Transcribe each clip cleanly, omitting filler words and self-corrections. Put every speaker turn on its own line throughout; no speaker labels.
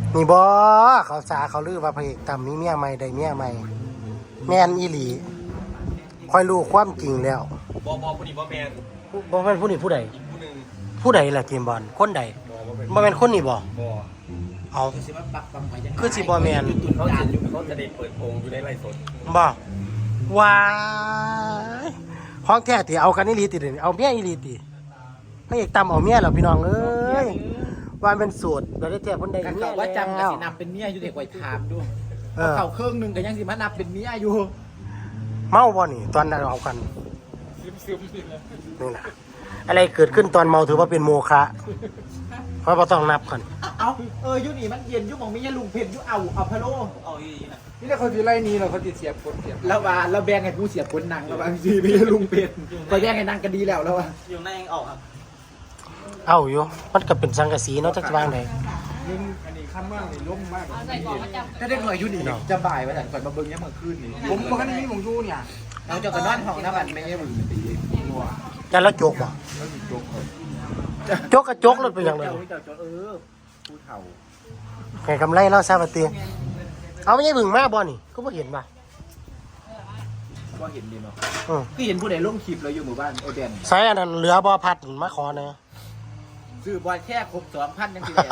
นี่บ่เขาสาเขาลือว่าพระเอกต่ำมีเมียใหม่ได้เมียใหม่แม่นอีหลีค่อยรู้ความจริงแล้ว
บผู้นี้บ่แมน
บ่แม่นผู้นี้ผู้ใด
อีกผู้หนึ่ง
ผู้ใดล่ะเกมบอลคนใด
บ่เป็น
บ่แม่นคนนี้บ่
บ่
เอา
คือสิว่าปักปั๊มไปยัง
คือสิบ่แม่น
เขาจะได้เปิดโปงอยู่ในไร่สด
บ่ว้ายของแท้ติเอากันอีหลีติเด้อเอาเมียอีหลีติพระเอกต่ำเอาเมียแล้วพี่น้องเอ้ยว่าเป็นสูตรบ่ได้แท้เพิ่นได้
กัน
เมีย
เขาว่าจำกั
แล้
น
ว
สินับเป็นเมียอยู่เด็กไว้ถามด้วย
เออ
เขาเครื่องหนึงก็ยังสิมานับเป็นเมียอยู่
เมาบ่นี่ตอนนั้นเอากัน
ซึมๆนี่แหละ
นี่นะอะไรเกิดขึ้นตอนเมาถือว่าเป็นโมฆะเพราะเราต้องนับกัน
เอาอยู่นี่มันเย็นอยู่หมองมีแค่ลุงเพชรอยู่เอาพะโล้เอาอีนะ
นี่แหละเขาสิไล่หนี้เราเขาติเสียบคนเสียบ
แล้วว่าเราแบ่งให้ผู้เสียผลหนังแล้วบางทีมีแค่ลุงเพชรไปแบ่งให้นางกันดีแล้วว่า
อยู่ในออกครับ
เอาอยู่มันก็เป็นสังกะสีเนาะจักจะวางไหน
มึงอันนี้ข้ามว่างนี่ล่มมาก
ถ้าได้หน่วยอยู่นี่จะบ่ายว่าแต่ก่อนมาเบิ่งยังเมื่อคืนนี่
ผมบอกให้นี่ผมอยู่เนี่ย
เราจะกันนอนห้องน้ำมันไม่ใช่มึงตี
จะแล้วจกบ่
แล้วมีโจ๊กเขา
จกกระจกรถไปอย่างไร
เจ้าผู้เฒ่า
แข่งกำไรเล่าซาบะเตียเอาไม่ใช่บึงมาบ่นี่ก็บ่เห็นป่ะ
ว่าเห็นดีเนาะ
อืม
คือเห็นผู้ใดลงคลิปเราอยู่หมู่บ้านโอเดน
ใส่อันนั้นเหลือบ่พัดมาขอเนอะ
ซื้อบอลแค่ครบ2,000ยังสิแ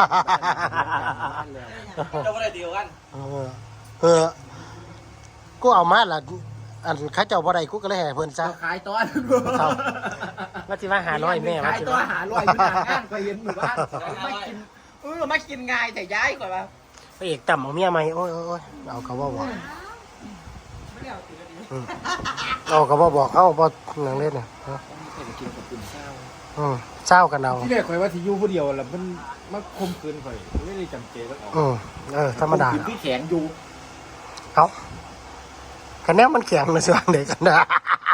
เราไม่ได้เดียวกัน
กูเอามาละอันข้าเจ้าบ่ได้กูก็เลยให้เพิ่นซะ
ขายตอน
ว่าสิมาหาร้อยแม่ว่า
ขาย
สิ
ตัวหาลอยอยู่ทางงานก็เห็นหมู่บ้านมากินมากินง่ายแต่ย้ายกว่า
พระเอกต่ำเอาเมียใหม่โอ้ยเอาก็บ่บอกเอาก็บ่บอกเอาบ่หนังเล่นน่ะ
กินกับคุณเศร้า
เศร้ากันเอา
ที่แรกข่อยว่าที่อยู่ผู้เดียวแล้วมันมาคมคืนข่อยไม่ได้จำเจแล้วออก
ธรรมดา
กินที่แข็งอยู่
เอาคะแนนมันแข็งนะส่วนเด็กกันนะ